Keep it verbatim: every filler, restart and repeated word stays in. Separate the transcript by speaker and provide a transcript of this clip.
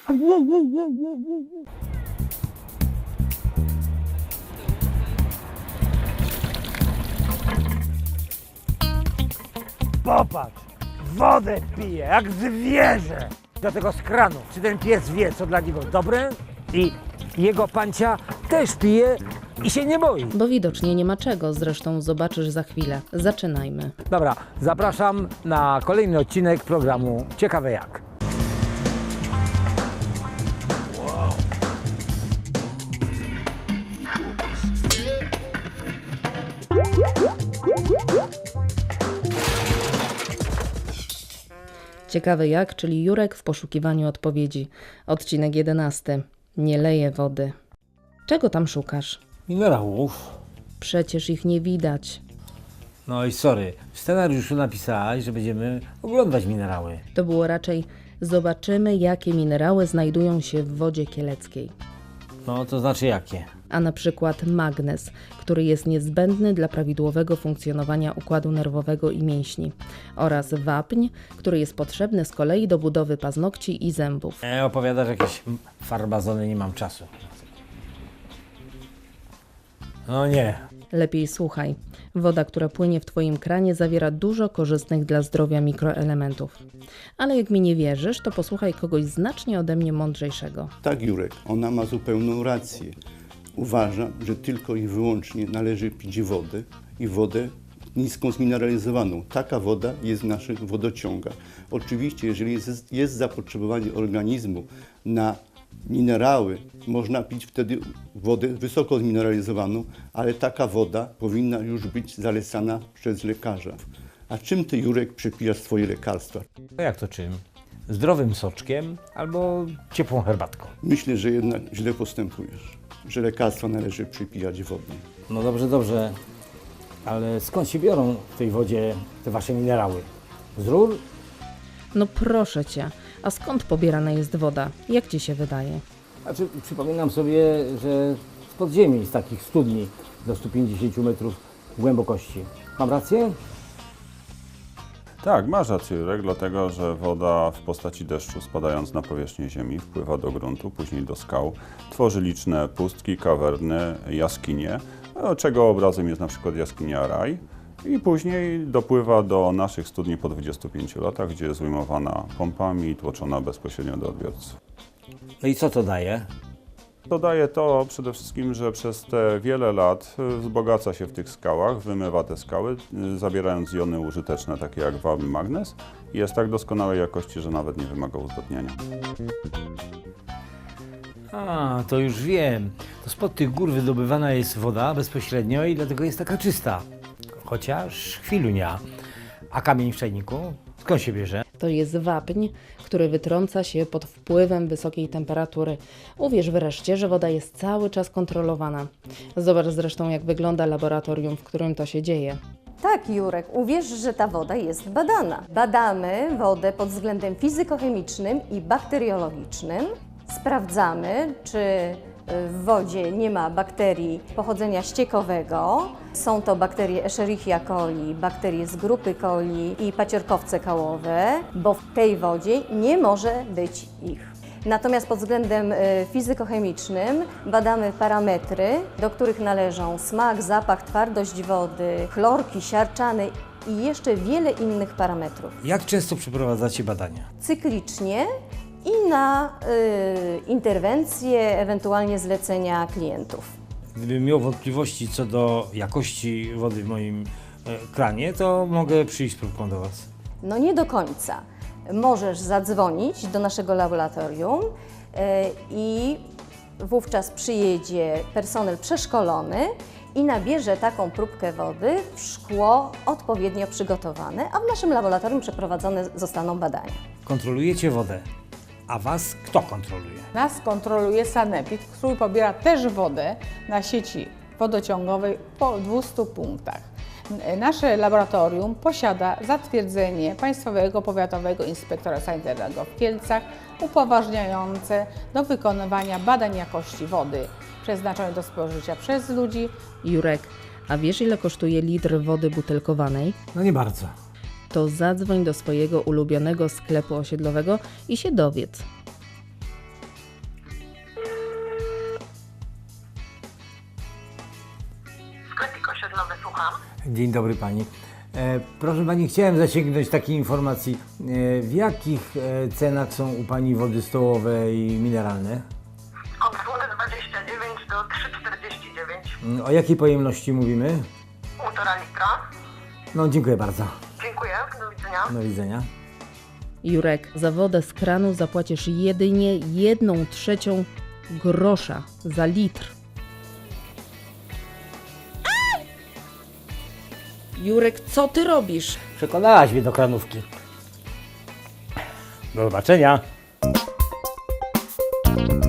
Speaker 1: Popatrz, wodę pije jak zwierzę. Do tego z kranu. Czy ten pies wie, co dla niego dobre? I jego pancia też pije i się nie boi.
Speaker 2: Bo widocznie nie ma czego, zresztą zobaczysz za chwilę. Zaczynajmy.
Speaker 1: Dobra, zapraszam na kolejny odcinek programu Ciekawe Jak.
Speaker 2: Ciekawy jak, czyli Jurek w poszukiwaniu odpowiedzi. Odcinek jedenasty. Nie leje wody. Czego tam szukasz?
Speaker 3: Minerałów.
Speaker 2: Przecież ich nie widać.
Speaker 3: No i sorry, w scenariuszu napisałaś, że będziemy oglądać minerały.
Speaker 2: To było raczej zobaczymy, jakie minerały znajdują się w wodzie kieleckiej.
Speaker 3: No to znaczy jakie?
Speaker 2: A na przykład magnez, który jest niezbędny dla prawidłowego funkcjonowania układu nerwowego i mięśni, oraz wapń, który jest potrzebny z kolei do budowy paznokci i zębów.
Speaker 3: E, opowiadasz jakieś farbazony, nie mam czasu. No nie.
Speaker 2: Lepiej słuchaj. Woda, która płynie w Twoim kranie, zawiera dużo korzystnych dla zdrowia mikroelementów. Ale jak mi nie wierzysz, to posłuchaj kogoś znacznie ode mnie mądrzejszego.
Speaker 4: Tak, Jurek, ona ma zupełną rację. Uważam, że tylko i wyłącznie należy pić wodę i wodę niską zmineralizowaną. Taka woda jest w naszych wodociągach. Oczywiście, jeżeli jest, jest zapotrzebowanie organizmu na minerały, można pić wtedy wodę wysoko zmineralizowaną, ale taka woda powinna już być zalecana przez lekarza. A czym ty, Jurek, przepijasz swoje lekarstwa?
Speaker 3: No jak to czym? Zdrowym soczkiem albo ciepłą herbatką.
Speaker 4: Myślę, że jednak źle postępujesz, że lekarstwa należy przypijać wodnie.
Speaker 3: No dobrze, dobrze. Ale skąd się biorą w tej wodzie te wasze minerały? Z rur?
Speaker 2: No proszę Cię, a skąd pobierana jest woda? Jak Ci się wydaje?
Speaker 3: Znaczy, przypominam sobie, że z podziemi, z takich studni do stu pięćdziesięciu metrów głębokości. Mam rację?
Speaker 5: Tak, masz rację, Jurek, dlatego że woda w postaci deszczu spadając na powierzchnię ziemi wpływa do gruntu, później do skał, tworzy liczne pustki, kawerny, jaskinie, czego obrazem jest na przykład jaskinia Raj i później dopływa do naszych studni po dwudziestu pięciu latach, gdzie jest ujmowana pompami i tłoczona bezpośrednio do odbiorców.
Speaker 3: No i co to daje?
Speaker 5: Dodaje to przede wszystkim, że przez te wiele lat wzbogaca się w tych skałach, wymywa te skały, zabierając jony użyteczne, takie jak wapń, magnez i jest tak doskonałej jakości, że nawet nie wymaga uzdatniania.
Speaker 6: A, to już wiem. To spod tych gór wydobywana jest woda bezpośrednio i dlatego jest taka czysta. Chociaż chwilunia. A kamień w czajniku? Skąd się bierze?
Speaker 2: To jest wapń, który wytrąca się pod wpływem wysokiej temperatury. Uwierz wreszcie, że woda jest cały czas kontrolowana. Zobacz zresztą, jak wygląda laboratorium, w którym to się dzieje.
Speaker 7: Tak, Jurek, uwierz, że ta woda jest badana. Badamy wodę pod względem fizykochemicznym i bakteriologicznym. Sprawdzamy, czy w wodzie nie ma bakterii pochodzenia ściekowego. Są to bakterie Escherichia coli, bakterie z grupy coli i paciorkowce kałowe, bo w tej wodzie nie może być ich. Natomiast pod względem fizykochemicznym badamy parametry, do których należą smak, zapach, twardość wody, chlorki, siarczany i jeszcze wiele innych parametrów.
Speaker 6: Jak często przeprowadzacie badania?
Speaker 7: Cyklicznie i na y, interwencje, ewentualnie zlecenia klientów.
Speaker 6: Gdybym miał wątpliwości co do jakości wody w moim e, kranie, to mogę przyjść z próbką do Was.
Speaker 7: No nie do końca. Możesz zadzwonić do naszego laboratorium y, i wówczas przyjedzie personel przeszkolony i nabierze taką próbkę wody w szkło odpowiednio przygotowane, a w naszym laboratorium przeprowadzone zostaną badania.
Speaker 6: Kontrolujecie wodę. A Was kto kontroluje?
Speaker 8: Nas kontroluje Sanepid, który pobiera też wodę na sieci wodociągowej po dwustu punktach. Nasze laboratorium posiada zatwierdzenie Państwowego Powiatowego Inspektora Sanitarnego w Kielcach upoważniające do wykonywania badań jakości wody przeznaczonej do spożycia przez ludzi.
Speaker 2: Jurek, a wiesz, ile kosztuje litr wody butelkowanej?
Speaker 6: No nie bardzo.
Speaker 2: To zadzwoń do swojego ulubionego sklepu osiedlowego i się dowiedz.
Speaker 6: Dzień dobry pani. E, proszę pani, chciałem zasięgnąć takiej informacji. E, w jakich e, cenach są u pani wody stołowe i mineralne?
Speaker 9: Od dwa dwadzieścia dziewięć do trzy czterdzieści dziewięć.
Speaker 6: Mm, O jakiej pojemności mówimy?
Speaker 9: Półtora litra.
Speaker 6: No, dziękuję bardzo.
Speaker 9: Dziękuję, do widzenia.
Speaker 6: Do widzenia.
Speaker 2: Jurek, za wodę z kranu zapłacisz jedynie jedną trzecią grosza za litr. Jurek, co ty robisz?
Speaker 6: Przekonałaś mnie do kranówki. Do zobaczenia.